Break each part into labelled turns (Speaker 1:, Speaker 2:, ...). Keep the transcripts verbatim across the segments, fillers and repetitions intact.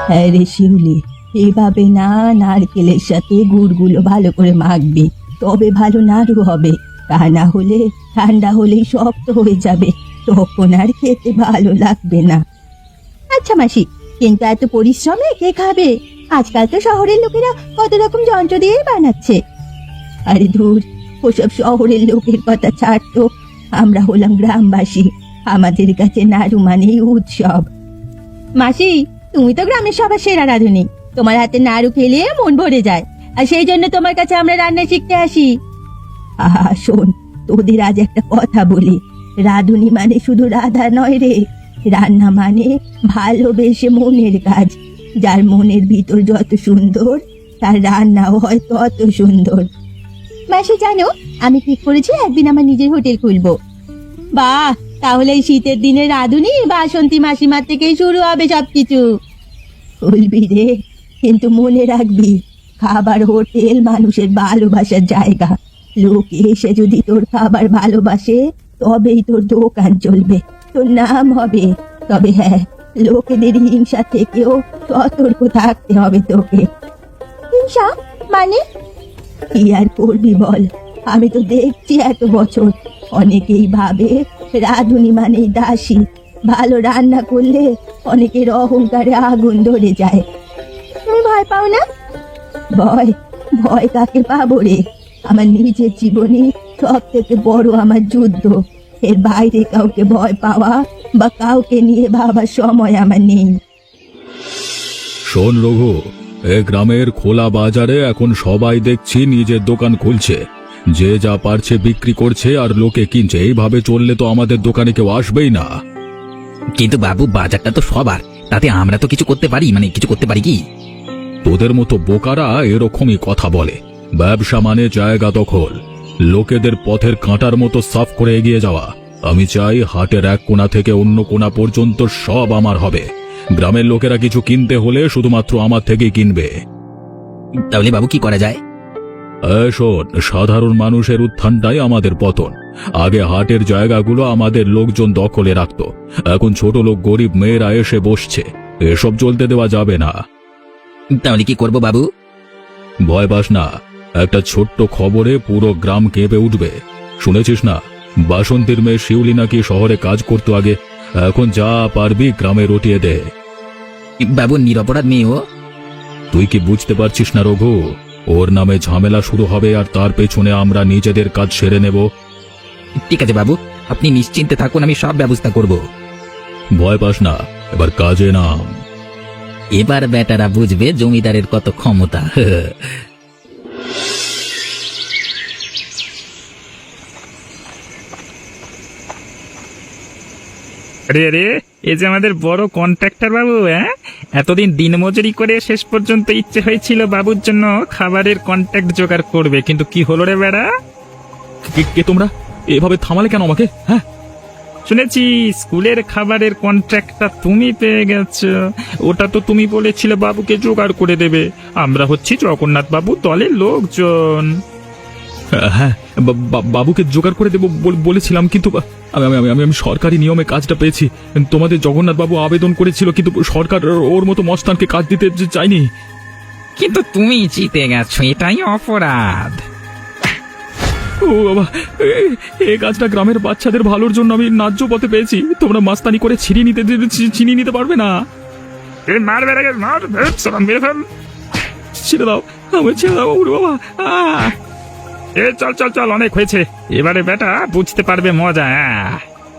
Speaker 1: হ্যাঁ রে শিউলি, এভাবে না, নারকেলের সাথে গুড়গুলো ভালো করে মাখবি, তবে ভালো নাড়ু হবে। তা না হলে ঠান্ডা হলেই শক্ত হয়ে যাবে, তখন আর খেতে ভালো লাগবে না। আচ্ছা মাসি, কিন্তু এত পরিশ্রমে কে খাবে? আজকাল তো শহরের লোকেরা কত রকম যন্ত্র দিয়ে বানাচ্ছে। আরে ধুর, ওসব শহরের লোকের কথা ছাড় তো। আমরা হলাম গ্রামবাসী, আমাদের কাছে নাড়ু মানেই উৎসব। মাসি, তুমি তো গ্রামের সবার সেরা রাঁধুনি, তোমার হাতে নাড়ু খেলে মন ভরে যায়, আর সেই জন্য তোমার কাছে আমরা রান্না শিখতে আসি। আহা শোন, তোদের আজ একটা কথা বলি, রাঁধুনি মানে শুধু রাধা নয় রে, রান্না মানে ভালোবেসে মনের কাজ। যার মনের ভিতর যত সুন্দর, তার রান্নাও হয় তত সুন্দর। মাসি জানো, আমি ঠিক করেছি একদিন আমার নিজের হোটেল খুলবো। বাহ, তাহলে এই শীতের দিনে রাঁধুনি বাসন্তী মাসিমার থেকেই শুরু হবে সবকিছু। খুলবি রে, কিন্তু মনে রাখবি, খাবার হোটেল মানুষের ভালোবাসার জায়গা। লোক এসে যদি তোর খাবার ভালোবাসে, তবেই তোর দোকান চলবে, তোর নাম হবে। তবে হ্যাঁ, লোকেদের হিংসা থেকেও সতর্ক থাকতে হবে তোকে। হিংসা মানে? কি আর করবি বল, আমি তো দেখছি এত বছর অনেকেই ভাবে রাঁধুনি মানেই দাসী। ভালো রান্না করলে অনেকের অহংকারে আগুন ধরে যায়। তুমি ভয় পাও না? ভয়? ভয় কাকে পাবো রে? আমার নিজের জীবনে সব থেকে বড় আমার যুদ্ধ। এর বাইরে কাউকে ভয় পাওয়া বা কাউকে নিয়ে ভাবার সময় আমার নেই।
Speaker 2: শোন রঘু, এ গ্রামের খোলা বাজারে এখন সবাই দেখছি নিজের দোকান খুলছে, যে যা পারছে বিক্রি করছে আর লোকে কিনছে। এইভাবে চললে তো আমাদের দোকানে কেউ আসবেই না।
Speaker 3: কিন্তু বাবু, বাজারটা তো সবার, তাতে আমরা তো কিছু করতে পারি, মানে কিছু করতে পারি কি?
Speaker 2: তোদের মতো বোকারা এরকমই কথা বলে। ব্যবসা মানে জায়গা দখল, লোকেদের পথের কাঁটার মতো সাফ করে এগিয়ে যাওয়া। আমি চাই হাটের এক কোণা থেকে অন্য কোণা পর্যন্ত সব আমার হবে। গ্রামের লোকেরা কিছু কিনতে হলে শুধুমাত্র আমার থেকেই কিনবে।
Speaker 3: তাহলে বাবু কি করা যায়?
Speaker 2: এই শোন, সাধারণ মানুষের উত্থানটাই আমাদের পতন। আগে হাটের জায়গাগুলো আমাদের লোকজন দখলে রাখত, এখন ছোট লোক গরিব মেয়েরা এসে বসছে। এসব চলতে দেওয়া যাবে না।
Speaker 3: তাহলে কি করব বাবু?
Speaker 2: ভয় পাস না, একটা ছোট্ট খবরে পুরো গ্রাম কেঁপে উঠবে। শুনেছিস না, বাসন্তীর মেয়ে শিউলি নাকি শহরে কাজ করতো আগে, এখন যা পারবি গ্রামে রটিয়ে দে।
Speaker 3: বাবু, নিরপরাধ মেয়ে ও।
Speaker 2: তুই কি বুঝতে পারছিস না রঘু? ওর নামে ঝামেলা শুরু হবে আর তার পেছনে আমরা নিজেদের কাজ সেরে নেব।
Speaker 3: ঠিক আছে বাবু, আপনি নিশ্চিন্তে থাকুন, আমি সব ব্যবস্থা করব।
Speaker 2: ভয় পাস না, এবার কাজে নাম।
Speaker 3: এবার বেটারা বুঝবে জমিদারের কত ক্ষমতা।
Speaker 4: আরে আরে, এ যে আমাদের বড় কন্ট্রাক্টর বাবু। হ্যাঁ, এতদিন দিনমজুরি করে শেষ পর্যন্ত ইচ্ছে হয়েছিল বাবুর জন্য খাবারের কন্ট্রাক্ট জোগাড় করবে, কিন্তু কি হলো রে বেড়া?
Speaker 2: কে- কে তোমরা? এভাবে থামালে কেন আমাকে? হ্যাঁ,
Speaker 4: শুনেছি স্কুলের খাবারের কন্ট্রাক্টটা তুমি পেয়ে গেছো। ওটা তো তুমি বলেছিলে বাবুকে জোগাড় করে দেবে। আমরা হচ্ছি জগন্নাথ বাবু দলের লোকজন।
Speaker 2: হ্যাঁ, বা- বা- বাবুকে জোগাড় করে দেবো বল- বলেছিলাম, কিন্তু আমি আমি আমি আমি সরকারি নিয়মে কাজটা পেয়েছি। তোমাদের জগন্নাথ বাবু আবেদন করেছিল, কিন্তু সরকার ওর মতো মস্তানকে কাজ দিতে চাইনি।
Speaker 4: কিন্তু তুমি জিতে গেছো, এটাই অপরাধ।
Speaker 2: ও বাবা, এ- এই কাজটা গ্রামের বাচ্চাদের ভালোর জন্য আমি ন্যায্য পথে পেয়েছি। তোমরা মাস্তানি করে ছিনিয়ে নিতে ছিনিয়ে নিতে পারবে না।
Speaker 4: মারবে রে, মার, মেরে ফেল।
Speaker 2: ছেড়ে দাও, আমার ছেড়ে দাও ওরে বাবা। আহ!
Speaker 4: এ চল চল চল, অনেক হয়েছে, এবারে বেটা বুঝতে পারবে মজা। আহ!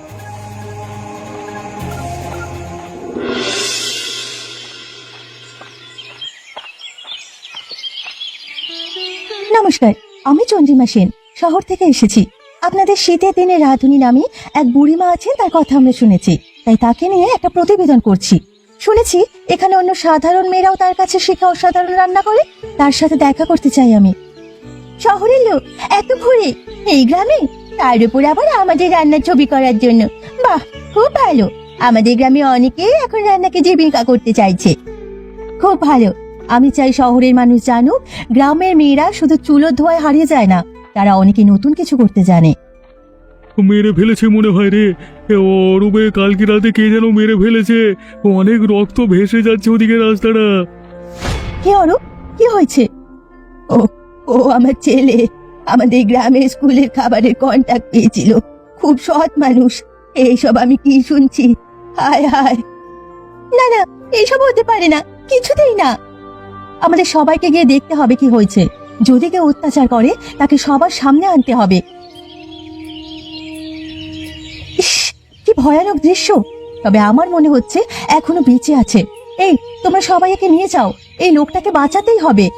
Speaker 1: নমস্কার, আমি চন্দ্রিমা সেন, শহর থেকে এসেছি। আপনাদের শীতের দিনে রাঁধুনি নামে এক বুড়িমা আছেন, তার কথা আমরা শুনেছি, তাই তাকে নিয়ে একটা প্রতিবেদন করছি। শুনেছি এখানে অন্য সাধারণ মেয়েরাও তার কাছে শিখে অসাধারণ রান্না করে। তার সাথে দেখা করতে চাই আমি। শহরের লোক এত ঘুরে এই গ্রামে, তার উপর আবার আমাদের রান্নার ছবি করার জন্য। বাহ, খুব ভালো। আমাদের গ্রামে অনেকেই এখন রান্নাকে জীবিকা করতে চাইছে। খুব ভালো। আমি চাই শহরের মানুষ জানুক, গ্রামের মেয়েরা শুধু চুলো ধোয়ায় হারিয়ে যায় না, তারা অনেকে নতুন কিছু করতে জানে।
Speaker 2: মেরে ফেলেছে মনে হয় রে। এ অরূপে কালকে রাতে কে যেন মেরে ফেলেছে। অনেক রক্ত ভেসে যাচ্ছে ওদিকে রাস্তাটা।
Speaker 1: কে অরূপ? কি হয়েছে? ও ও আমার ছেলে আমাদের গ্রামের স্কুলের খাবারের কন্ট্যাক্ট পেয়েছিল। খুব সৎ মানুষ। এইসব আমি কি শুনছি? হায় হায়, না না, এইসব হতে পারে না, কিছুতেই না। আমাদের সবাইকে গিয়ে দেখতে হবে কি হয়েছে। যদি কেউ অত্যাচার করে তাকে সবার সামনে আনতে হবে। ইস, কি ভয়ানক দৃশ্য। তবে আমার মনে হচ্ছে এখনো বেঁচে আছে। এই, তোমরা সবাই একে নিয়ে যাও, এই লোকটাকে বাঁচাতেই হবে।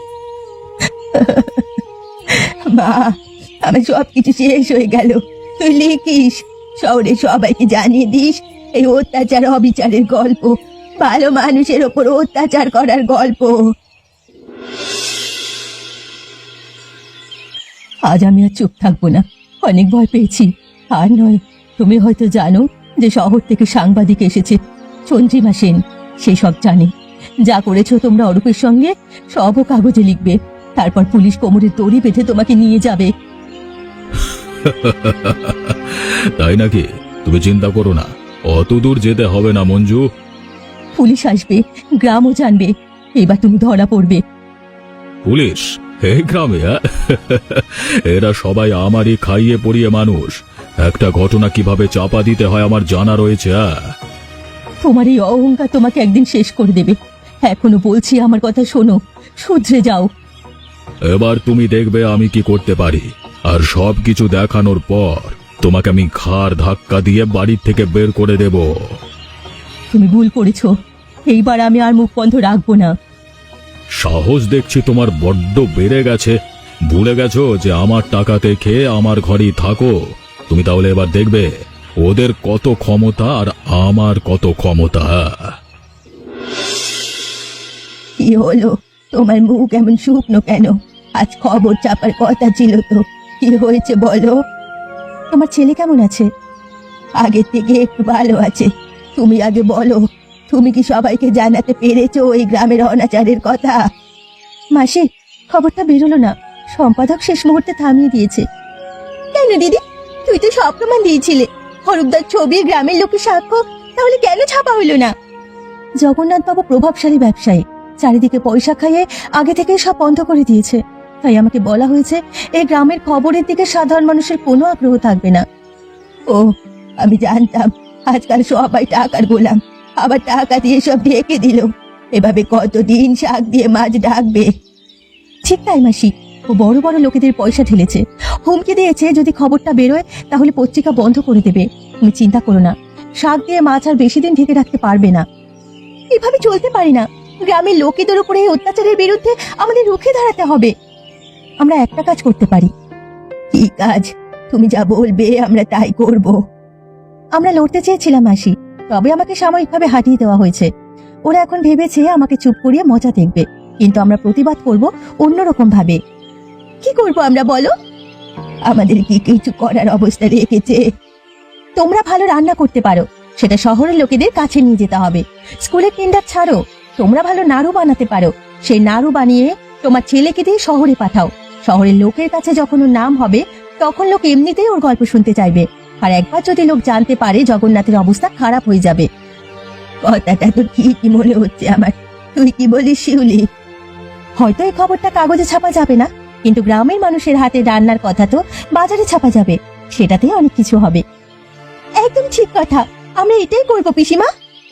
Speaker 1: মা, আমার সব কিছু শেষ হয়ে গেল। তুই লিখিস, শহরে সবাইকে জানিয়ে দিস এই অত্যাচার অবিচারের গল্প, ভালো মানুষের ওপর অত্যাচার করার গল্প। আজ আমি আর চুপ থাকবো না, অনেক ভয় পেয়েছি। আর নয়, তুমি হয়তো জানো যে শহর থেকে সাংবাদিক এসেছে, চন্দ্রিমা সেন। সে সব জানে। যা করেছো তোমরা অরূপের সঙ্গে সবও কাগজে লিখবে। তারপর পুলিশ কোমরে দড়ি বেঁধে তোমাকে নিয়ে যাবে।
Speaker 2: তাই নাকি? তুমি চিন্তা করো না, অত দূর যেতে হবে না মঞ্জু।
Speaker 1: পুলিশ আসবে, গ্রামও জানবে, এবার তুমি ধরা পড়বে।
Speaker 2: পুলিশ এই গ্রামে? আ? এরা সবাই আমারই খাইয়ে পড়িয়ে মানুষ। একটা ঘটনা কিভাবে চাপা দিতে হয় আমার জানা রয়েছে। আ?
Speaker 1: তোমার এই অহংকার তোমাকে একদিন শেষ করে দেবে। এখনো বলছি, আমার কথা শোনো, শুধরে যাও।
Speaker 2: এবার তুমি দেখবে আমি কি করতে পারি। আর সব কিছু দেখানোর পর তোমাকে আমি ঘাড় ধাক্কা দিয়ে বাড়ির থেকে বের করে দেব।
Speaker 1: তুমি ভুল করেছো, এইবার আমি আর মুখ বন্ধ রাখবো না।
Speaker 2: সাহস দেখছি তোমার বড্ড বেড়ে গেছে। ভুলে গেছো যে আমার টাকাতে খেয়ে আমার ঘরেই থাকো। তুমি তাহলে এবার দেখবে ওদের কত ক্ষমতা আর আমার কত ক্ষমতা।
Speaker 1: কি হলো, তোমার মুখ এমন শুকনো কেন? আজ খবর চাপার কথা ছিল তো, কি হয়েছে বলো? তোমার ছেলে কেমন আছে? আগের থেকে একটু ভালো আছে। তুমি আগে বলো, তুমি কি সবাইকে জানাতে পেরেছো ওই গ্রামের অনাচারের কথা? মাসি, খবরটা বেরোলো না। সম্পাদক শেষ মুহূর্তে থামিয়ে দিয়েছে। কেন দিদি? তুই তো সব প্রমাণ দিয়েছিলে, হরুপদার ছবি, গ্রামের লোকের সাক্ষ্য, তাহলে কেন ছাপা হলো না? জগন্নাথ বাবু প্রভাবশালী ব্যবসায়ী, চারিদিকে পয়সা খাইয়ে আগে থেকে সব বন্ধ করে দিয়েছে। তাই আমাকে বলা হয়েছে এই গ্রামের খবরের দিকে সাধারণ মানুষের কোনো আগ্রহ থাকবে না। ও, আমি জানতাম আজকাল সবাই টাকার গোলাম, আবার টাকা দিয়ে সব ঢেকে দিল। এভাবে কতদিন শাক দিয়ে মাছ ঢাকবে? ঠিক তাই মাসি, ও বড় বড় লোকেদের পয়সা ঢেলেছে, হুমকি দিয়েছে যদি খবরটা বেরোয় তাহলে পত্রিকা বন্ধ করে দেবে। তুমি চিন্তা করো না, শাক দিয়ে মাছ আর বেশি দিন ঢেকে রাখতে পারবে না। এভাবে চলতে পারি না। গ্রামের লোকেদের উপরে এই অত্যাচারের বিরুদ্ধে আমাদের রুখে দাঁড়াতে হবে। আমরা একটা কাজ করতে পারি। কি কাজ? তুমি যা বলবে আমরা তাই করব। আমরা লড়তে চেয়েছিলাম মাসি, তবে আমাকে সাময়িকভাবে হাঁটিয়ে দেওয়া হয়েছে। ওরা এখন ভেবেছে আমাকে চুপ করিয়ে মজা দেখবে, কিন্তু আমরা প্রতিবাদ করব অন্যরকম ভাবে। কি করব আমরা বলো? আমাদের কি কিছু করার অবস্থা রেখেছে? তোমরা ভালো রান্না করতে পারো, সেটা শহরের লোকেদের কাছে নিয়ে যেতে হবে। স্কুলের টেন্ডার ছাড়ো। তোমরা ভালো নাড়ু বানাতে পারো, সেই নাড়ু বানিয়ে তোমার ছেলেকে দিয়ে শহরে পাঠাও। শহরের লোকের কাছে যখন ওর নাম হবে তখন লোক এমনিতেই ওর গল্প শুনতে চাইবে। আর একবার যদি লোক জানতে পারে জগন্নাথের অবস্থা খারাপ হয়ে যাবে। কথাটা তো ঠিকই মনে হচ্ছে আমার। তুই কি বলিস শিউলি? হয়তো এই খবরটা কাগজে ছাপা যাবে না, কিন্তু গ্রামের মানুষের হাতে রান্নার কথা তো বাজারে ছাপা যাবে, সেটাতেই অনেক কিছু হবে। একদম ঠিক কথা, আমরা এটাই করবো পিসিমা।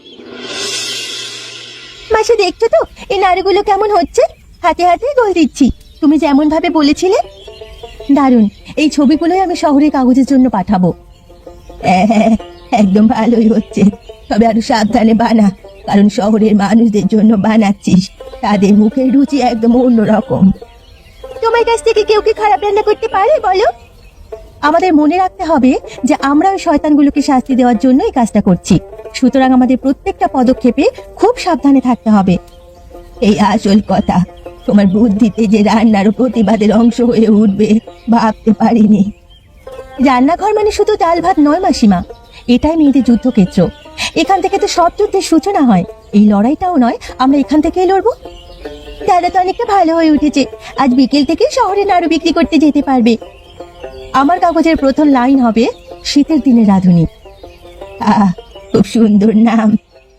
Speaker 1: মাসে দেখছো তো এই নাড়ুগুলো কেমন হচ্ছে? হাতে হাতে গোল দিচ্ছি, তুমি যেমন ভাবে বলেছিলে। দারুণ, এই ছবিগুলোই আমি শহরের কাগজের জন্য পাঠাবো। হ্যাঁ, একদম ভালোই হচ্ছে, তবে আরো সাবধানে বানা, কারণ শহরের মানুষদের জন্য বানাচ্ছিস। তাদের মুখের রুচি একদম অন্যরকম। তোমার কাছ থেকে কেউ কি খারাপ রান্না করতে পারে বলো? আমাদের মনে রাখতে হবে যে আমরা ওই শয়তানগুলোকে শাস্তি দেওয়ার জন্য এই কাজটা করছি। সুতরাং আমাদের প্রত্যেকটা পদক্ষেপে খুব সাবধানে থাকতে হবে। এই আসল কথা, তোমার বুদ্ধিতে যে রান্নার প্রতিবাদের অংশ হয়ে উঠবে ভাবতে পারিনি। রান্নাঘর মানে শুধু ডাল ভাত নয় মাসিমা, এটাই মেয়েদের যুদ্ধক্ষেত্র। এখান থেকে তো সব যুদ্ধের সূচনা হয়। এই লড়াইটাও নয়, আমরা এখান থেকেই লড়বো। দাদা তো অনেকটা ভালো হয়ে উঠেছে, আজ বিকেল থেকে শহরে নাড়ু বিক্রি করতে যেতে পারবে। আমার কাগজের প্রথম লাইন হবে, শীতের দিনে রাঁধুনি। আহ, খুব সুন্দর নাম।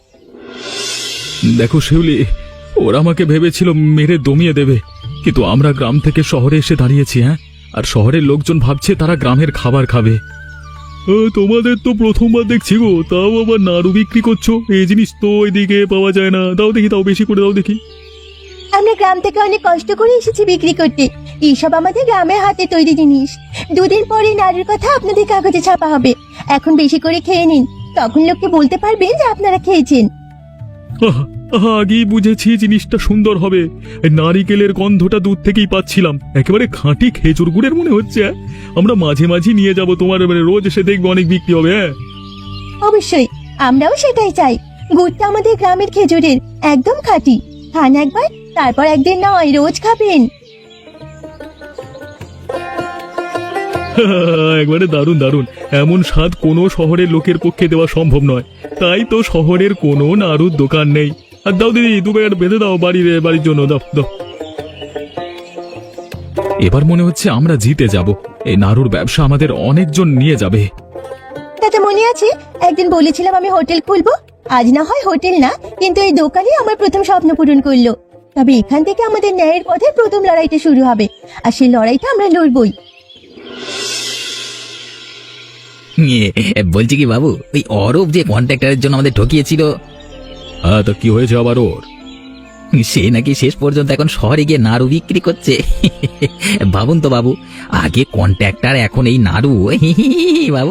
Speaker 2: দেখো শিউলি, ওরা আমাকে ভেবেছিল মেরে দমিয়ে দেবে, কিন্তু আমরা গ্রাম থেকে শহরে এসে দাঁড়িয়েছি। হ্যাঁ, আর শহরের লোকজন ভাবছে তারা গ্রামের খাবার খাবে। তোমাদের তো প্রথমবার দেখছি গো, তাও আবার নাড়ু বিক্রি করছো। এই জিনিস তো ওইদিকে পাওয়া যায় না। দাও দেখি, তাও বেশি করে দাও দেখি।
Speaker 1: আমরা গ্রাম থেকে অনেক কষ্ট করে এসেছি বিক্রি করতে। এইসব আমাদের গ্রামের হাতে তৈরি জিনিস। দুদিন পরে নাড়ুর কথা আপনাদের কাগজে ছাপা হবে। এখন বেশি করে খেয়ে নিন, তখন লোককে বলতে পারবেন যে আপনারা খেয়েছেন।
Speaker 2: আহা, আহা, আগেই বুঝেছি জিনিসটা সুন্দর হবে। এই নারিকেলের গন্ধটা দূর থেকেই পাচ্ছিলাম। একেবারে খাঁটি খেজুর গুড়ের মনে হচ্ছে। হ্যাঁ? আমরা মাঝে মাঝে নিয়ে যাব, তোমার মানে রোজ এসে দেখবো অনেক বিক্রি হবে। হ্যাঁ,
Speaker 1: অবশ্যই, আমরাও সেটাই চাই। গুড়টা আমাদের গ্রামের খেজুরের, একদম খাঁটি। খান একবার, তারপর একদিন নয়, রোজ খাবেন।
Speaker 2: একবারে দারুণ দারুণ। এমন স্বাদ কোনো শহরের লোকের পক্ষে দেওয়া সম্ভব নয়। তাই তো শহরের কোনো নাড়ুর দোকান নেই। আর দাও দিদি, দু প্যাকেট বেঁধে দাও বাড়ির বাড়ির জন্য। দাও দাও। এবার মনে হচ্ছে আমরা জিতে যাব। এই নাড়ুর ব্যবসা আমাদের অনেকজন নিয়ে যাবে।
Speaker 1: তাতে মনে আছে একদিন বলেছিলাম আমি হোটেল খুলবো? আজ না হয় হোটেল না, কিন্তু এই দোকানই আমার প্রথম স্বপ্ন পূরণ করলো। তবে এখান থেকে আমাদের ন্যায়ের পথে প্রথম লড়াইটা শুরু হবে, আর সেই লড়াইটা আমরা লড়বই।
Speaker 3: ইয়ে, বলছি কি বাবু, ওই অরূপ যে কন্ট্রাক্টরের জন্য আমাদের ঠকিয়েছিল,
Speaker 2: হ্যাঁ, তা কি হয়েছে আবার ওর?
Speaker 3: সে নাকি শেষ পর্যন্ত এখন শহরে গিয়ে নাড়ু বিক্রি করছে। ভাবুন তো বাবু, আগে কন্ট্রাক্টর, এখন এই নাড়ু। বাবু,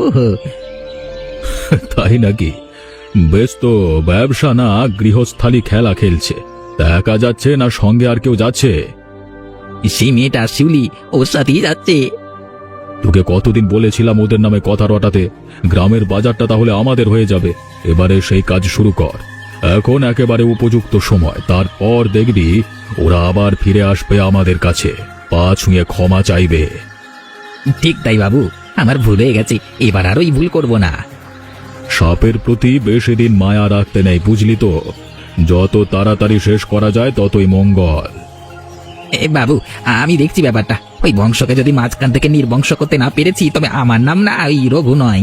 Speaker 2: তাই নাকি? বেশ তো, ব্যবসা না গৃহস্থালী খেলা খেলছে। তা একা যাচ্ছে না সঙ্গে আর কেউ যাচ্ছে?
Speaker 3: সেই মেয়েটা শিউলি ওর সাথেই যাচ্ছে।
Speaker 2: তোকে কতদিন বলেছিলাম ওদের নামে কথা রটাতে। গ্রামের বাজারটা তাহলে আমাদের হয়ে যাবে। এবারে সেই কাজ শুরু কর। এখন একেবারে উপযুক্ত সময়। তারপর দেখবি ওরা আবার ফিরে আসবে আমাদের কাছে, পা ছুঁয়ে ক্ষমা চাইবে।
Speaker 3: ঠিক তাই বাবু, আমার ভুল হয়ে গেছে, এবার আর ওই ভুল করব না।
Speaker 2: সাপের প্রতি বেশি দিন মায়া রাখতে নেই, বুঝলি তো? যত তাড়াতাড়ি শেষ করা যায় ততই মঙ্গল।
Speaker 3: এ বাবু, আমি দেখছি ব্যাপারটা। ওই বংশকে যদি মাঝখান থেকে নির্বংশ করতে না পেরেছি, তবে আমার নাম না ওই রঘু নয়।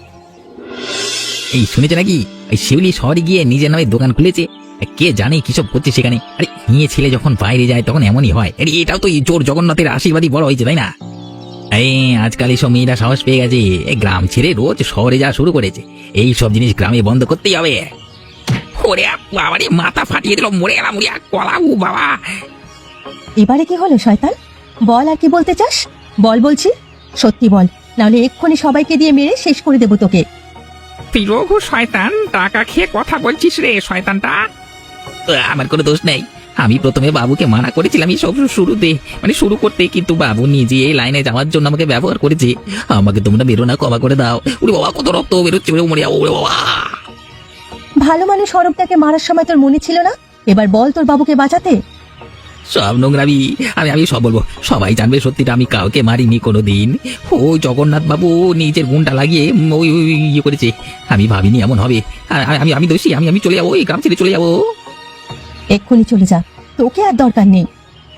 Speaker 3: এই শুনেছে নাকি ওই শিউলি শহরে গিয়ে নিজের নামে দোকান খুলেছে? কে জানে কিসব করছে সেখানে। আরে নিয়ে ছেলে যখন বাইরে যায় তখন এমনই হয়। আরে এটাও তো জোর জগন্নাথের আশীর্বাদই বড় হয়েছে, তাই না? এই আজকাল এইসব মেয়েরা সাহস পেয়ে গেছে, গ্রাম ছেড়ে রোজ শহরে যাওয়া শুরু করেছে। এই সব জিনিস গ্রামে বন্ধ করতেই হবে। ওরে বাবা রে, মাথা ফাটিয়ে দিল, মরে গেলাম কলাবু বাবা।
Speaker 1: এবারে কি হলো শয়তান? বল, আর কি বলতে চাস? বল বলছি, সত্যি বল, নাহলে এক্ষুনি সবাইকে দিয়ে মেরে শেষ করে দেবো তোকে।
Speaker 4: তুই রঘু শয়তান, টাকা খেয়ে কথা বলছিস রে শয়তানটা।
Speaker 3: আমার কোনো দোষ নেই। আমি প্রথমে বাবুকে মানা করেছিলাম এই সব শুরুতে, মানে শুরু করতে, কিন্তু বাবু নিজে এই লাইনে যাওয়ার জন্য আমাকে ব্যবহার করেছে। আমাকে তোমরা বেরো না, ক্ষমা করে দাও। ওরে বাবা, কত রক্ত বেরোচ্ছে, মরে যাবো। ওরে বাবা,
Speaker 1: ভালো মানুষ অরূপটাকে মারার সময় তোর মনে ছিল না? এবার বল তোর বাবুকে বাঁচাতে।
Speaker 3: সব নোংরামি। আমি আমি সব বলবো, সবাই জানবে সত্যিটা। আমি কাউকে মারিনি কোনোদিন। ওই জগন্নাথ বাবু নিজের গুণটা লাগিয়ে ওই ওই ইয়ে করেছে। আমি ভাবিনি এমন হবে। আ- আমি আমি দোষী। আমি আমি চলে যাবো, এই গ্রাম ছেড়ে চলে যাবো।
Speaker 1: এক্ষুনি চলে যা, তোকে আর দরকার নেই।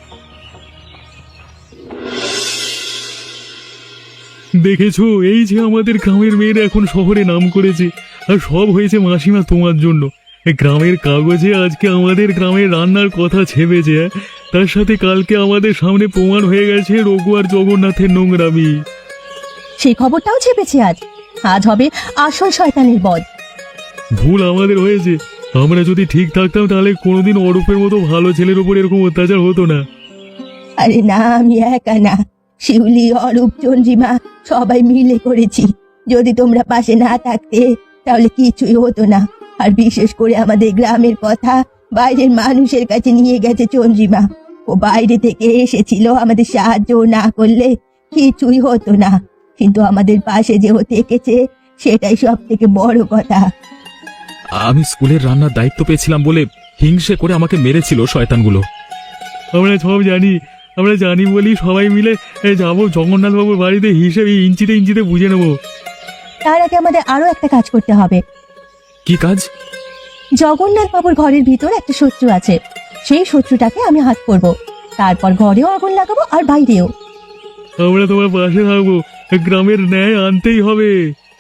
Speaker 2: দেখেছো, এই যে আমাদের গ্রামের মেয়েরা এখন শহরে নাম করেছে, আর সব হয়েছে মাসিমা তোমার জন্য। এই গ্রামের কাগজে আজকে আমাদের গ্রামের রান্নার কথা ছেপেছে। হ্যাঁ? তার সাথে কালকে আমাদের সামনে প্রমাণ হয়ে গেছে রঘু আর জগন্নাথের নোংরামি।
Speaker 1: সেই খবরটাও চেপেছে আজ। আজ হবে আসল শয়তানের বধ।
Speaker 2: ভুল আমাদের হয়েছে। আমরা যদি ঠিক থাকতাম তাহলে কোনোদিন অরূপের মতো ভালো ছেলের উপর এরকম অত্যাচার হতো না।
Speaker 1: আরে না, আমি একা না, শিউলি, অরূপ, চন্দ্রিমা সবাই মিলে করেছি। যদি তোমরা পাশে না থাকতে তাহলে কিছুই হতো না। আর বিশেষ করে আমাদের গ্রামের কথা বাইরের মানুষের কাছে নিয়ে গেছে চন্দ্রিমা। ও বাইরে থেকে এসেছিল, আমাদের সাহায্য না করলে কিছুই হতো না। কিন্তু আমাদের পাশে যে ও থেকেছে সেটাই সব থেকে বড় কথা।
Speaker 2: আমি স্কুলের রান্নার দায়িত্ব পেয়েছিলাম বলে হিংসে করে আমাকে মেরেছিল শয়তানগুলো। আমরা সব জানি, আমরা জানি বলি সবাই মিলে যাবো জগন্নাথ বাবুর বাড়িতে, হিসেবে ইঞ্চিতে ইঞ্চিতে বুঝে নেবো।
Speaker 1: তার আগে আমাদের আরো একটা কাজ করতে হবে।
Speaker 2: কি কাজ?
Speaker 1: জগন্নাথ বাবুর ঘরের ভিতর একটা শত্রু আছে, সেই শত্রুটাকে আমি হাত করব। তারপর ঘরেও আগুন লাগাবো আর বাইরেও।
Speaker 2: আমরা তোমার পাশে থাকবো, গ্রামের ন্যায় আনতেই হবে।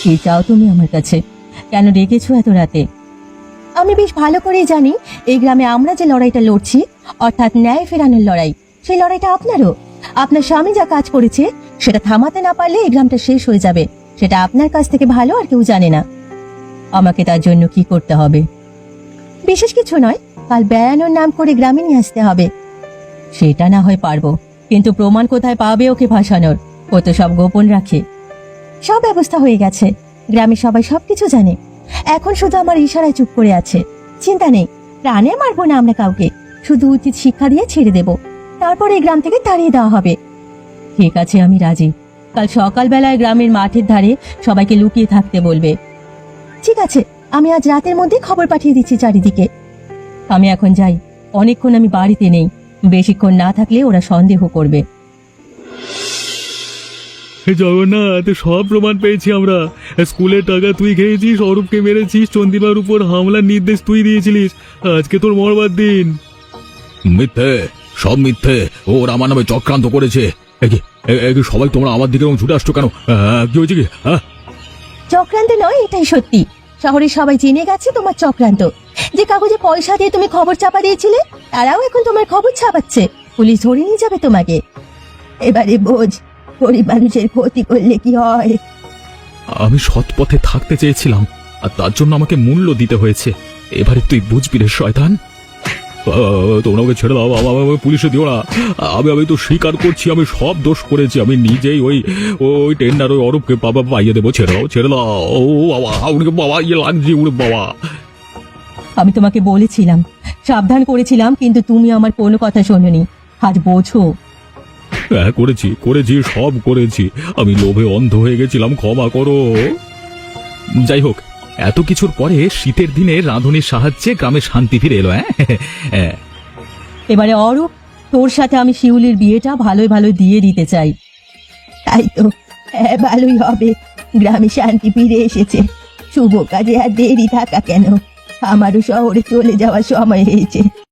Speaker 1: কি চাও তুমি আমার কাছে? কেন ডেকেছো এত রাতে? আমি বেশ ভালো করেই জানি এই গ্রামে আমরা যে লড়াইটা লড়ছি, অর্থাৎ ন্যায় ফেরানোর লড়াই, সেই লড়াইটা আপনারও। আপনার স্বামী যা কাজ করেছে সেটা থামাতে না পারলে এই গ্রামটা শেষ হয়ে যাবে। সেটা আপনার কাছ থেকে ভালো আর কেউ জানে না। আমাকে তার জন্য কি করতে হবে? বিশেষ কিছু নয়, কাল বেড়ানোর নাম করে গ্রামে নিয়ে আসতে হবে। সেটা না হয় পারবো, কিন্তু প্রমাণ কোথায় পাবে ওকে ভাসানোর? ও তো সব গোপন রাখে। সব ব্যবস্থা হয়ে গেছে, গ্রামে সবাই সবকিছু জানে। এখন শুধু আমার ইশারায় চুপ করে আছে। চিন্তা নেই, প্রাণে মারবো না আমরা কাউকে, শুধু উচিত শিক্ষা দিয়ে ছেড়ে দেব। তারপর এই গ্রাম থেকে তাড়িয়ে দেওয়া হবে। ঠিক আছে, আমি রাজি। কাল সকালবেলায় গ্রামের মাঠের ধারে সবাইকে লুকিয়ে থাকতে বলবে। ঠিক আছে, আমি আজ রাতের মধ্যে খবর পাঠিয়ে দিচ্ছি চারিদিকে। আমি এখন যাই, অনেকক্ষণ আমি বাড়িতে নেই। বেশিক্ষণ না থাকলে ওরা সন্দেহ করবে।
Speaker 2: জগন্নাথ, সব প্রমাণ পেয়েছি আমরা। স্কুলের টাকা তুই খেয়েছিস, অরূপকে মেরেছিস, চন্দিমার উপর হামলার নির্দেশ তুই দিয়েছিলিস। আজকে তোর মরবার দিন। মিথ্যে, সব মিথ্যে। ওর আমার নামে চক্রান্ত করেছে। এ কি, এ- এ কি সবাই তোমরা আমার দিকে এরকম ছুটে আসছো কেন? আহ, কি হয়েছে কি? হ্যাঁ,
Speaker 1: চক্রান্ত নয়, এটাই সত্যি। শহরে সবাই জেনে গেছে তোমার চক্রান্ত। যে কাগজে পয়সা দিয়ে তুমি খবর চাপা দিয়েছিলে, তারাও এখন তোমার খবর ছাপাচ্ছে। পুলিশ ধরে নিয়ে যাবে তোমাকে। এবারে বোঝ, গরিব মানুষের ক্ষতি করলে কি হয়।
Speaker 2: আমি সৎ পথে থাকতে চেয়েছিলাম, আর তার জন্য আমাকে মূল্য দিতে হয়েছে। এবারে তুই বুঝবি রে শয়তান। আহ, তোমরা ওকে ছেড়ে দাও, বাবা, আমাকে পুলিশে দিও না। আমি আমি তো স্বীকার করছি, আমি সব দোষ করেছি। আমি নিজেই ওই ওই টেন্ডার ওই অরূপকে বাবা পাইয়ে দেবো। ছেড়ে দাও, ছেড়ে দাও। ও বাবা, উনি বাবা ইয়ে লাগছে, উনি বাবা।
Speaker 1: আমি তোমাকে বলেছিলাম, সাবধান করেছিলাম, কিন্তু তুমি আমার কোনো কথা শোনোনি। আজ বোঝো।
Speaker 2: হ্যাঁ, করেছি করেছি সব করেছি। আমি লোভে অন্ধ হয়ে গেছিলাম, ক্ষমা করো। যাই হোক, এত কিছুর পরে শীতের দিনে রাঁধুনির সাহায্যে গ্রামে শান্তি ফিরে এলো। হ্যাঁ হ্যাঁ।
Speaker 1: এবারে অরূপ, তোর সাথে আমি শিউলির বিয়েটা ভালোই ভালো দিয়ে দিতে চাই। তাই তো, হ্যাঁ, ভালোই হবে। গ্রামে শান্তি ফিরে এসেছে। শুভ কাজে আর দেরি থাকা কেন? আমারও শহরে চলে যাওয়ার সময় হয়েছে।